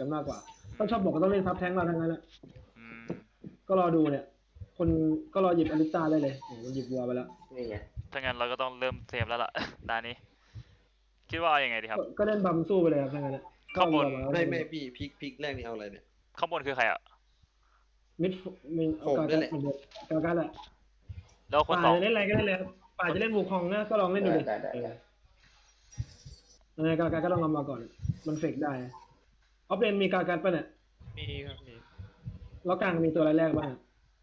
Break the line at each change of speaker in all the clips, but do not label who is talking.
กันมากกว่าถ้าชอบบอกก็ต้องเล่นซับแท้งเราทั้งนั้นแหละ
อืม
ก็รอดูเนี่ย คนก็รอหยิบอลิต้าได้เลยโอ้โหมันหยิบวัวไปแล้ว
นี่ไง
ถ้างั้นเราก็ต้องเริ่มเซฟแล้วล่ะ ตานี้ คิดว่าเอายังไงดีครับ
ก็เล่นบัมสู้ไปเลยครับทั้งนั้นนะก็
ข้างบน
วัวมาแล้ว
ไม่พี่พลิกแรกนี่เอาอะไรเนี่ย
ข้างบนคือใครอ่ะ
มิดมินเอา
ผม
กา
นั่
กั
น
ด
แหละ
เหมือนเดิมกากัดแหละ
แล้วคน
ป่า
สอง
จะเล่นอะไรก็เล่นเลยครับป่าจะเล่นวูคองนะก็ลองเล่นดูดิ
ได้
ยังไงกากัดก็ลองเอามาก่อน มันเฟกได้ออฟเลนมีกากัดป่ะเนี่ย
มีครับมี
แล้วกลางมีตัวอะไรแรกบ้างอะ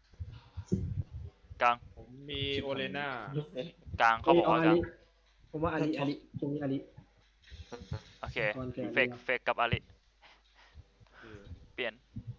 กลาง
ผมมีโอเลน่าก
ลางเขาบอกว่ากลาง
ผมว่าอาลีตรงนี้อาลี
โอเค
ก่อนแก
เฟกกับอาริเปลี่ยน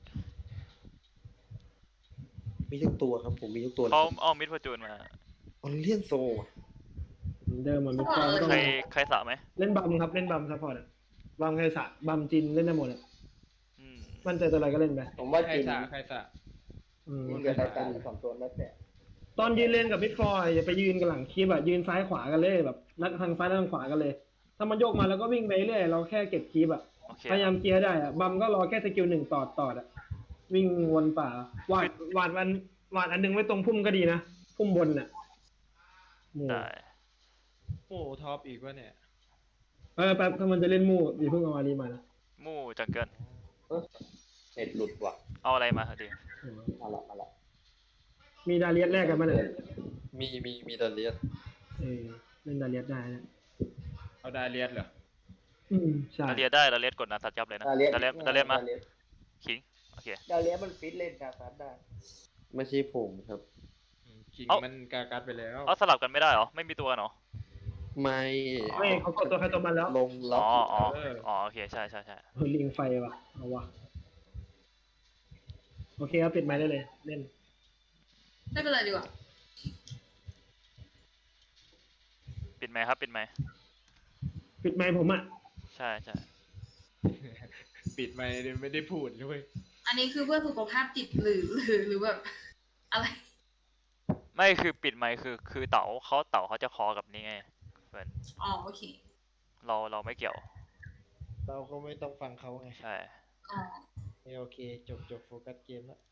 มีทุกตัวครับผมมีทุกตัว
เขาเอามิดพจูนมา
ออเลียนโซ
เหมือนเดิมเหมือนมิดฟอร์ต้อง
ใครสระไหม
เล่นบัมครับเล่นบัมซัพพอร์ตอะบัมใครสะบัมจินเล่นได้หมดอะ
อืม
มั่นใจตัวอะไรก็เล่นไป
ผมว่า
ใคร
จีน
สะใครสะ
จีนกับไทยการสองตัวแล้วแต่
ตอนยืนเล่นกับมิดฟอร์อย่าไปยืนกันหลังคลิปอะยืนซ้ายขวากันเลยแบบนัดทางซ้ายทางขวากันเลย ถ้ามันโยกมาแล้วก็วิ่งไปเรื่อยเราแค่เก็บคลิปอะ
โอเค
พยายามเกียร์ได้อะบัมก็รอแค่สกิลหนึ่งตอดอะวิ่งวนป่าวาดอันหนึงไว้ตรงพุ่มก็ดีนะพุ่มบนน่ะหมู่
ได้
โอ้ท็อปอีกวะเนี่ย
แป๊บถ้ามันจะเล่นหมู่อย่าเพิ่งเอาอารีมานะ
มู่จังเกิล
เน็ตหลุดว่ะ
เอาอะไรมาดี
มาละ
มีดาเลียสแรกกันมาเนี่ย
มีดาเลียส
เล่นดาเลียสได้นะ
เอาดาเลียสเหรอ
ใช่
เราเรียนได้เราเรียนกดนะตัดยับเลยนะ
ดาเลียส
เราเรียนมาคิงโอเค
ดาเลียสมันฟิตเล่นกาซัดได้
ไม่ใช่ผมครับ
คิง
เอ้า
มันกากัดไปแล้ว
เอาสลับกันไม่ได้เหรอไม่มีตัวกันเหรอ
ไม่
ไม่เขากดตัวใครตัวมันแล้ว
ลงล็
อ๋
อ
อก อ๋อโอเคใช่
เฮ้ยลิงไฟว่ะเอาว่ะโอเคครับปิดไมค์ได้เลยเล่น
ไม่เป็นไรดีกว่า
ปิดไหมค์ครับปิดไหมค์
ปิดไมค์ผมอ่ะ
ใช่
ปิดไม่ได้พูดด้วย
อันนี้คือเพื่อสุขภาพจิตหรือแบบอะไร
ไม่คือปิดไหมค์คือเต๋าเขาจะคอกับนี่ไงเพื่อน
อ๋อโอเค
เราไม่เกี่ยว
เราก็ไม่ต้องฟังเขาไง
ใช่
อ๋อ
โอเคจบโฟกัสเกมแล้ว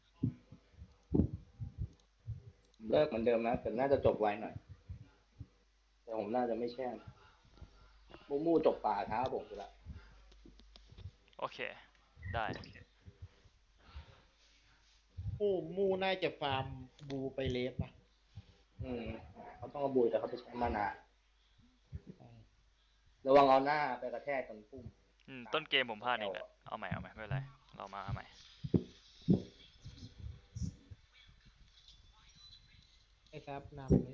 เลิกเหมือนเดิมนะแต่น่าจะจบไวหน่อยแต่ผมน่าจะไม่แช่งมู่จบป่าท้าผมไปละ
โอเคได้
มูน่าจะฟาร์มบูไปเลฟนะ
เขาต้องเอาบุยแต่เขาจะใช้มานาระวังเอาหน้าไปกระแทกกันพุ่ม
ต้นเกมผมพลาดเองแหละเอาใหม่ไม่เป็นไรเรามาเอาใหม่
ไอ้ซับนำเลย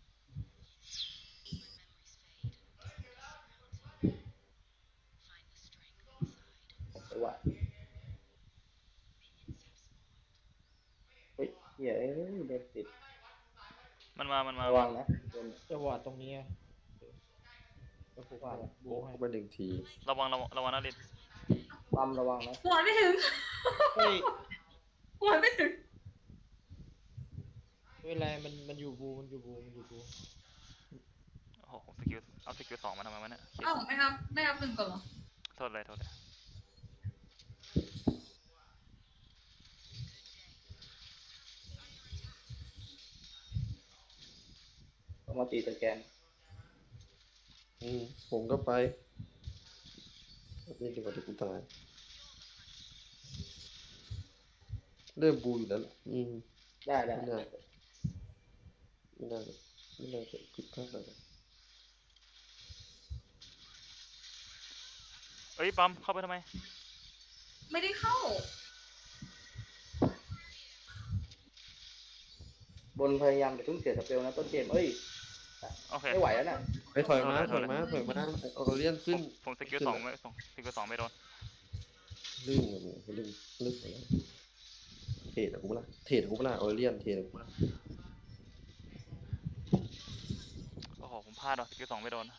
ผมไปว่าเฮ้ยเหี้ยเดินติด
มันมา
ระวังนะโดน
จะวอดตรงนี้อะจะผูกวาดบู
โอ้
ให้
เข้าไปหนึ่งที
ระวังนะลิน
ปั๊มระวังนะ
หัวไม่ถึง
เฮ้ย
หัวไม่ถึง
ไม่เป็นไรมันอยู่บูมันอยู่บู
โอ้โหเอาสกิล2มาทำไมวะเนี่ย
เอ้าไม่ครับหนึ่งก่อนเหรอ
โทษเลย
ต้องมาตีตะแกน
ผมก็ไปนี่ดีกว่าที่กูตายเริ่มบูอยู่แล้วล่ะ
ได้
ไม่น่าจะผิดพลาดอะไร
เอ้ยปั๊มเข้าไปทำไม
ไม่ได้เข้า
บนพยายามจะทุ่งเสียสเปลนะต้นเกมเอ้ย
โอเค
ไม่ไหวแล้วนะ
ไปถอยมาออเลียนขึ้น
ผมสกิล2ไม่โดน
ลื่นกับมึงลื่นไปแล้วเทรดกูเปล่าออเลียนเทรดกูเปล่า
โอ้โหผมพลาดว่ะสกิล2ไม่โดน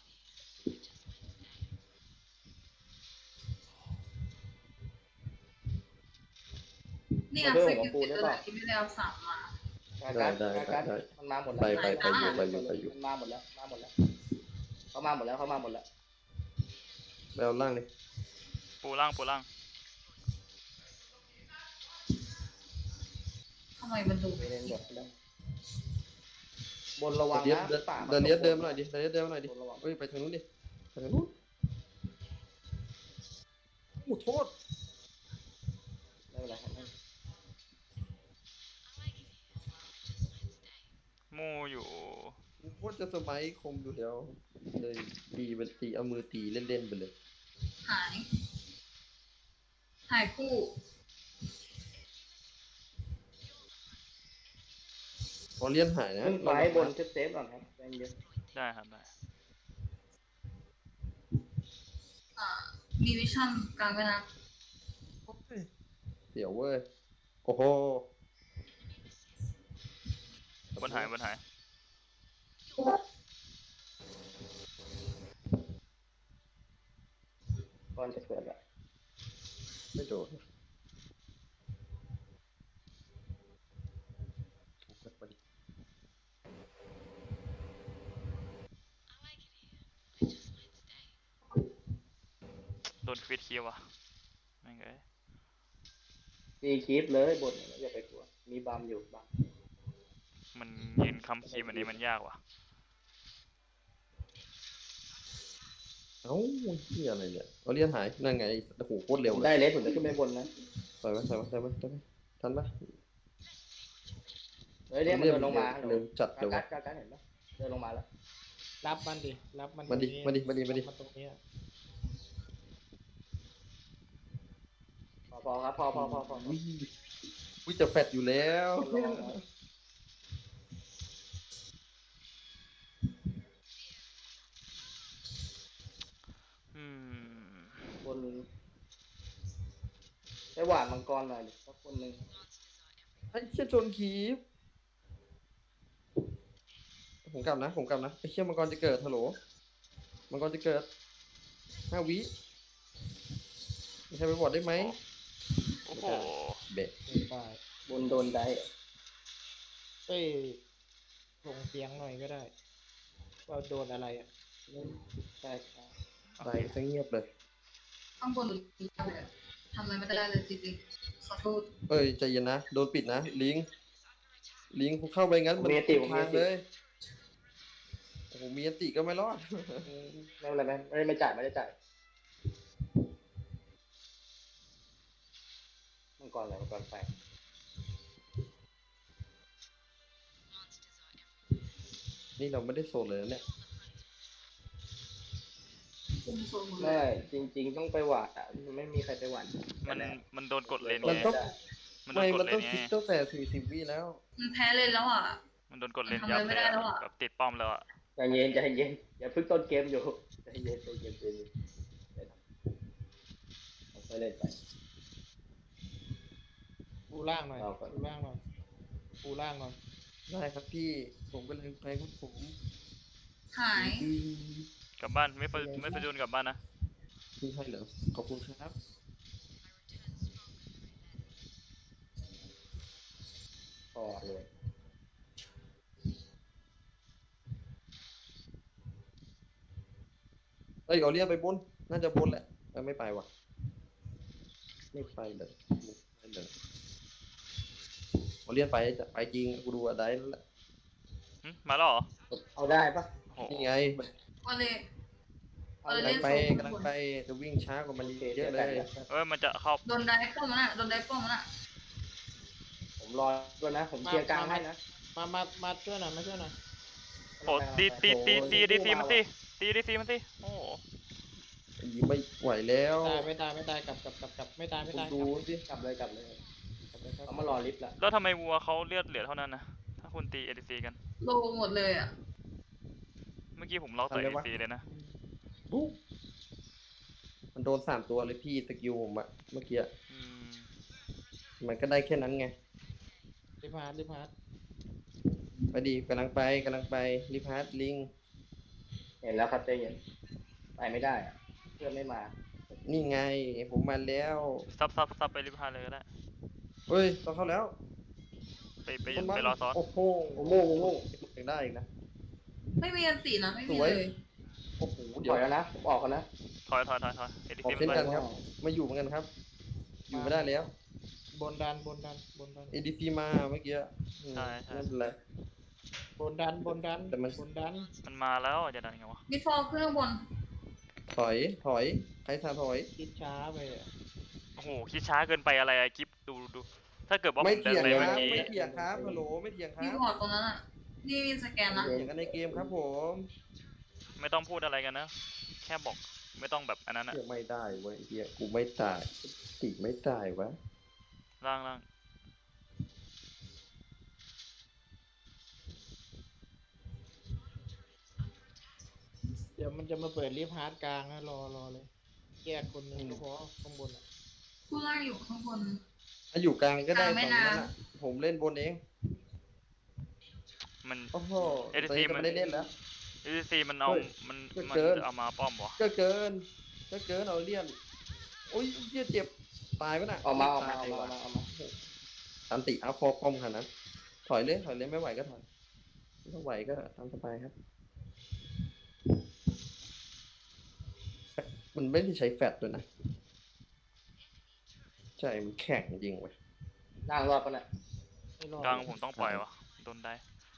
นี่อ่ะสกิลติดอะไรที่ไม่ได้เอาสามมา
การมันมาหมดแล้ว
ไปอยู่
มันมาหมดแล้วเขามาหมดแล้ว
ไปเอาล่างเลย
ปูล่าง
ำไมมันดู
ไปเล่นแบบได้บนระวัง
เดี๋ยว
นะ
เดิน
ป่า
เดินเนี้ยเดินมาหน่อยดิเดินเนี้ยเดินมาหน่อยดิ
บนระวัง
เฮ้ยไปทางนู้นดิไปทางนู้นโอ้โทษ
ไม่เป็นไรครับ
มูอยู่
กูโคตรจะสมัยคมอยู่แล้วเลยตีเป็นตีเอามือตีเล่นๆไปเลย
หาย หายคู่
พอเลี่ยนหายนะ
ขึ้นไปบนเซฟๆก่อนครับใจเย็น
ได้ครับได้
มีวิชั่นกลางไปนะ
เสียวเว้ยโอ้โห
บนหายบนหาย
ก่อนจะเกิดแล้ว
ไม่โดนมาดิ
โดนควิดคิวอ่ะไม่งเอ้ย
ตีคีปเลยบนอย่าไปกลัวมีบัมอยู่บัม
มันยืนคำคีย์แบบนี้มันยากว่ะ
เอ้าเหี้ยอะไรเนี่ยเอาเลี่ยนหายนั่นไงโอ้โหโคตรเร็ว
ผม
เล
ได้
ย
เลสผมจะขึ้นไปบนนะ
ใส่ไว้ใส่ไว้ใส่ไว้ใส่ไว้ทันปะ
เฮ้ยเนี่ยมันเดินลงมา
เร็วจัด
กา
เร็ว
กัดกากัดเห็นปะเดินลงมาแล้ว
รับมันดิรับมัน
มาดิ
ตรงนี้
มาดิมาดิมาดิ
รับนตรงนี้อะ
พอครับพอ
วิจะแฟดอยู่แล้ว
อืม
บนไปหวานมังกรหน่อยดิสักคนหนึ่ง
ไอ้เชี่ยโจนคีบผมกลับนะไอ้เชี่ยมังกรจะเกิดฮัลโหลมังกรจะเกิด5 วิมีใครไปบอดได้ไหม
โอ้โห
เบะ
ไม่ได้
บนโดนได้
เอ้ยส่งเสียงหน่อยก็ได้ ว่าโดนอะไรอ่ะ
ใช่ใช่
ตายซะเงียบเลย
ข้างบนหรือเลยอะทำอะไรไม่ได้เลยจริงๆขอโทษ
เอ้ยใจเย็นนะโดนปิดนะลิงกูเข้าไปงั้นมันทางเลยโอ้โหมีอันติก็ไม่รอด
ไม่เป็นไรไม่จ่ายไม่ได้จ่ายมังกรอะไรมังกรไฟ
นี่เราไม่ได้โซนเลยนะเนี่ย
คุมโซนหมดเล
ไม่
ย
จริง ๆ ต้องไปหวานอ่ะไม่มีใครไปหวาน
มันโดนกดเลน
มัน
ไง
ต้อง
มันโด
ไม่
นก
มั
ด
น
เล
ต้อน ง
ไง
คิดตั้งแต่40 วิแล้ว
มันแพ้เลยแล้วอ่ะ
มันโดนกดเลน
ทำ
ยับ
อะไรไม่
เลย
ได้แล้วอะ
แบบติดป้อมแล้วอ่ะ
ใจเย็นอย่าเพิ่งต้นเกมอยู่ใจเย็นค่อยเล่นไป
ปูล่างหน่อย
เอาก่อน
ปูล่างหน่อยปูล่างหน่อย
ได้ครับพี่ผมก็เลยไปครับผม
หาย
กลับบ้านไม่ประจุนกลับบ้านนะ
พี่ให้เหรอขอบคุณครับ
พอเลย
เอ้ยเอาเรียกไปบนน่าจะบนแหละไม่ไปว่ะไม่ไปเลยเอาเรียกไปจะไปจริงกูดูอะไรแล้วแหละ
หึมาแล้วเหรอ
เอาได้ปะ
โอ้โห
นี่ไง
ก็เลย
เอา
เล่
ได้
น
ไป
โซน
กำลังไปจะวิ่งช้ากว่ามัน
โอเค
เยอะเลย
เอ้ยมันจะเข้า
โดนได้ป้อมมันอ่ะโดนได้ป้อมมันอ่ะ
ผมรอด้วยนะ ผมเคลียร์กลางให้นะ
มาช่วยหน่อยมาช่วยหน่อย
โอ้ตีดีซีมันตีโอ้โห
ยิงไม่ไหวแล้ว
ไม่ตายกลับไม่ตาย
คุณดูสิ
กลับเลย
กลับเลยครับ
เขามารอลิฟต์ละ
แล้วทำไมวัวเขาเลือดเหลือเท่านั้นนะถ้าคุณตีเอ c ซีกัน
โลหมดเลยอ่ะ
เมื่อกี้ผมล็อกต่อเอ c ซีเลยนะ
ปุ๊บมันโดน3 ตัวเลยพี่สกิลผมอะเมื่อกี้
อืม
มันก็ได้แค่นั้นไง
รีพาร์ต
ไปดีกำลังไปรีพาร์ตลิง
เห็นแล้วครับใจเย็นไปไม่ได้อะเพื่อนไม่มา
นี่ไงผมมาแล้ว
ซับไปริพาเลยก็ได้
เฮ้ยต้องเข้าแล้ว
ไปรอซ้อน
โอ้โห
โอ้โห
ยังได้อีกนะ
ไม่มีอันตีนะไม่มี
สวย
เลย
โอ้โห
ถ
เดี๋ยว
อยแล้วนะผมออกกันนะ
ถอยเอ c
ออก
ซี
เช่น
ไป
กันครับ มาอยู่เหมือนกันครับ อยู่ไม่ได้แล้ว
บนดันบนดันบนดัน
ADC มาเมื่อกี้อืม
ใช่ใช่
ไม่เป็นไร
บนดันบนดัน
แต่มัน
บนดัน
มันมาแล้วจะดันไงวะ
มิดฟอลขึ้นข้างบน
ถอยใครทาถอย
คิดช้าไปอะ
โอ้โหคิดช้าเกินไปอะไรอะกิฟดูถ้าเกิดว่าผ
ไม่
มเดิ
เถีย
น
ง
ไป
นะ
เมื่อกี้
ไม่เถียงครับฮัลโหลไม่เถียงค
มี
รับ
วอร์ดตรงนั้นอ่ะ นี่สแกนนะ
เถียงกันในเกมครับผม
ไม่ต้องพูดอะไรกันนะ แค่บอกไม่ต้องแบบอันนั้นอะ
เถียงไม่ได้เว้ยเฮียกูไม่ตายติไม่ตายวะ
ล่าง
เดี๋ยวมันจะมาเปิดลิฟต์ฮาร์ดกลางนะรอเลยแยกคนหนึ่งก็พอข้างบนอะ
ผู้ล่างอยู่ข้างบน
ถ้าอยู่กลางก็ได้
กลางไม่
ฝั่งนั้น
นาน
อ่ะผมเล่นบนเอง
มัน
โอ้โห
ADC
ตอนนี้ก็ไม่ได้เล่นแล้ว
ADC มันเอา
เฮ้ย
มัน
เกิน
มัน
เกิน
เอามาป้อมวะ
ก็เกินเอาเลี่ยนโอ้ยเฮียเจ็บตายปะน่ะ
ออกมา
ตยว่ะ
เอามา
อันติเอาคอป้อมขนาดนั้นถอยเลยไม่ไหวก็ถอยไม่ไหวก็ทำสบายครับ มันไม่ได้ใช้แฟตด้วยนะใช่มันแข็งจริงเว้ย
นั่งรอดปะเนี่ย
ไม่รอด
กลางผมต้องปล่อยวะโดนได้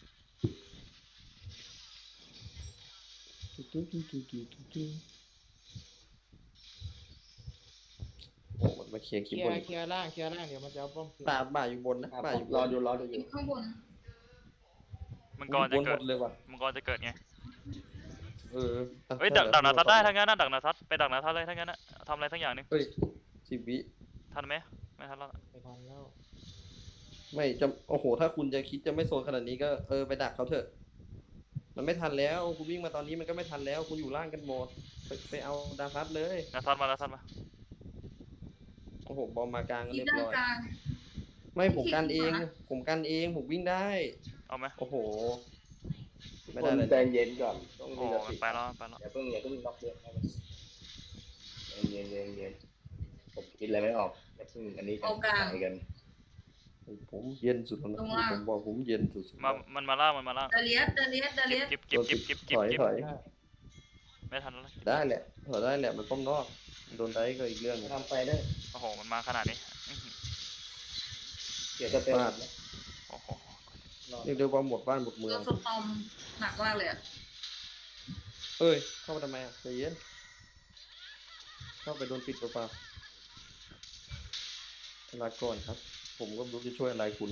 โอ้มันมาเคลียร์
เค
คี
ลี
ย์
ย
บน
ร์เคลียร์ล่างเคลียร์ล่างเดี๋ยวมันจะเอาป้อมคืน
บ่าอยู่บนนะบ่าอยู่บ
รอน ดู
อ
อยู่
ยู่ข้างบน
มังกรจะ
บนห
เกิ
ม
ด
ดเลยว่ะ
มังกรจะเกิดไง
เอออ่ะ
เฮ้ย
ใช่
ดักนาทัดได้
แล้ว
ทั้งนั้นนะดักนาทัดไปดักนาทัดเลยทั้งนั้นนะทำอะไรทั้งอย่างหนึง
เฮ้ย10 วิ
ทันไหมไม่ทันแล้ว
ไปทันแล้ว
ไม่จะโอ้โห ถ้าคุณจะคิดจะไม่โซนขนาดนี้ก็ไปดักเขาเถอะ มันไม่ทันแล้ว คุณวิ่งมาตอนนี้มันก็ไม่ทันแล้ว คุณอยู่ล่างกันหมด ไปเอาดาฟัสเลย
นาทัดมานาทัดมา
โอ้โห บอมมากลางก็
ที่
เรียบ
ด้าน
ร้อย
กลาง
ไม่ผมกันเอง
ที่ขวา
ผมกันเอง ผมวิ่งได้
เอาไหม
โอ้โห ไม่
ค
ได้
น
เลย
ใจเย็นก่อนต้อง
โอ้
มี
โห
ส
มัน
ติ
ไปแล้วไปแล้ว
อย่าเพิ่งล็อกเรื่องให้มันเย็นผมคิดอะไรไม่ออกอย่าเพิ่งอันนี้กันไปกัน
ผมเย็นสุดแล้วนะ
ตรงล่าง
ผมบอกผมเย็นสุดๆ
มันมาล่างมันมาล่าง
ดาเลียส
เก็บ
ถอย
ไม่ทันแล้ว
ได้แหละถอยได้แหละ มันป้อมนอก โดนได้ก็อีกเรื่องหนึง
ทำไปได้
โอ้โหมันมาขนาดนี้อื้อหือ
เดี๋ยวจะเป็น
พลาด
โอ้โห
เรียกได้ว่าหมดบ้านหมด
โด
เมือง
นสตอมหนักมากเลยอ่ะ
เอ้ย เข้ามาทำไมอ่ะใจเย็น เข้าไปโดนปิดเปล่าๆลาก่อนครับ ผมก็ไม่รู้จะช่วยอะไรคุณ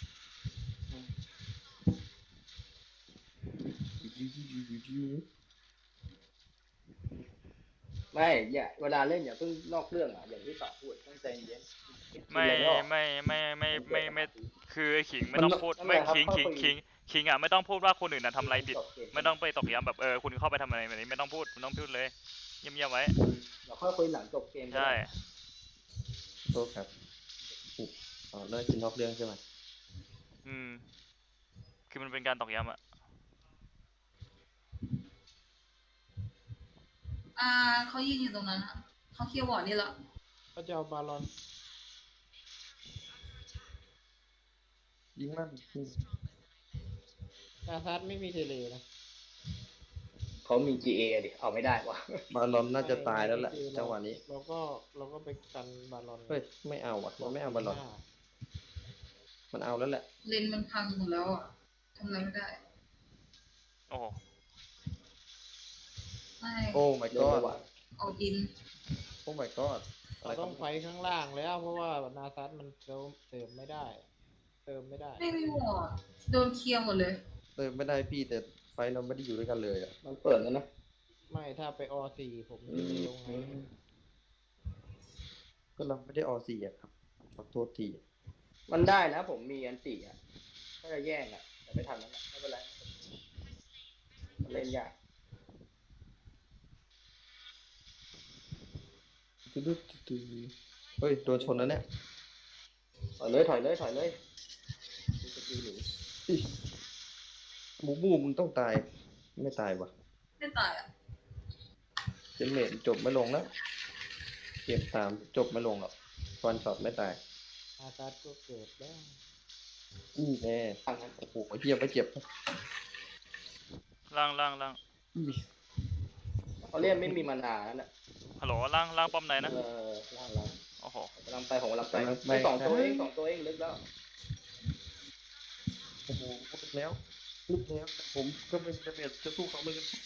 ไม่อย่าเวลาเล่นอย่าเพิ่งนอกเรื่องอ่ะอย่างที่ต่อพูดต้องใจเย็น
ไม่คือไอ้ขิงไม่ต้องพูดไม่ขิงอ่ะไม่ต้องพูดว่าคนอื่นน่ะทำอะไรผิด ไม่ต้องไปตอกย้ำแบบคุณเข้าไปทำอะไรแบบนี้ไม่ต้องพูดเลยเงียบๆไว้
เราค่อยคุยหลังจบเกม
ใช่
โทษครับอ๋อเรื่องกินนอกเรื่องใช่ไหม
คือมันเป็นการตอกย้ำอ่ะ
เขายืนอยู่ตรงนั้นอะเขาเคลียร์วอร์ดนี่แหละ
ก็จะเอาบาลอน
ยิงมัน
นาซัดไม่มีเทเลนะ
เขามี GA ดิเอาไม่ได้วะ
บาลอนน่าจะตายแล้วแหละ จังหวะนี้
เราก็ไปกันบาลอน
เฮ้ย ไม่เอาอ่ะมันไม่เอาบาลอน มันเอาแล้วแหละ
เลนมันพังหมดแล้วอ่ะทำอะไรไม่ได้
โอ้โห
ไม่
โอ้ my
เรื่อง
god
ระหว่าง
เอาอิน
โอ้ my god อะไร
เรา
ครั
ต้องไฟข้างล่างแล้ว เพราะว่านาซัดมันเติมไม่ได้ เติมไม่ได้
ไม่มีวอร์ดโดนเคลียร์หมดเลย
ไม่ได้พี่แต่ไฟเราไม่ได้อยู่ด้วยกันเลยอ่ะ
มันเปิดแล้วนะ
ไม่ถ้าไปอ4ผมจะไปลงไง
ก็เราไม่ได้ออซีอ่ะครับขอโทษที
มันได้นะผมมีอันติอ่ะถ้าจะแย่งอ่ะแต่ไม่ทันแล้วนะไม่เป็นไรมันเล่นยาก
เฮ้ย โดนชนแล้วเนี่ย
ถอยเลยมีสกิลหนี
อิ๊ยหมูบูมึงต้องตาย ไม่ตายวะ
ไม่ตายอ่ะ
เจนเมทจบไม่ลงแล้วเกมตามจบไม่ลงหรอกฟันช็อตไม่ตาย
นาซัดก็เกิดแล้ว
นี่แน่
ทางนั้น
โอ้โหเฮียไม่เจ็บ
ล่าง
อี้
เขาเล่นไม่มีมานานั่นแหละ
ฮัลโหลล่างป้อมไหนนะ
ล่าง
โอ้โหโห
กำลังไปผมกำลังไป
กำลังไป
ไม่2 ตัวเองลึกแล้ว
โอ้โหลึกแล้วลึกแล้วผมก็ไม่ได้เบียดจะสู้เขาเหมือนกัน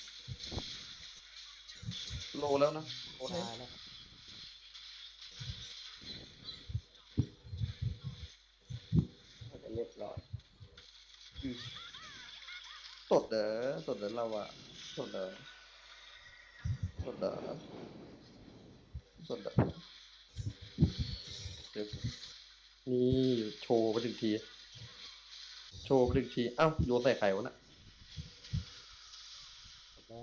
โลแล้วนะโลแล้ว
ตายแล้ว
น่าจะเรียบร้อย
สดเด้อสดเด้อเราอะสดเด้อสดเด้อสดเด้อเดี๋ยวนี่โชว์ไปถึงทีโชว์ไปถึงทีอ้าวโยนใส่ไข่วะน่ะ
แล้ว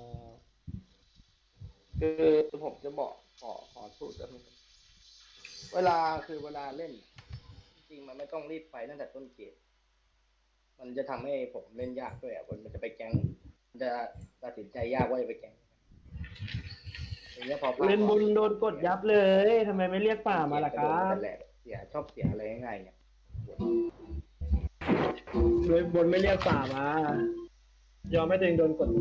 คือผมจะบอกขอสูตรแบบนึงเวลาเล่น จริงๆมันไม่ต้องรีบไปตั้งแต่ต้นเกมมันจะทำให้ผมเล่นยากด้วยอ่ะมันจะไปแก๊งมันจะตัดสินใจยากว่าจะไปแก๊งอย่างเงี้ยพอพลาด
เล่นบนโดนกดยับเลยทำไมไม่เรียกป่ามาล่ะครับ
แต่แหละชอบเสียอะไรง่ายๆเนี่ย
เลยบนไม่เรียกป่ามา ยอมให้ตัวเองโดนกด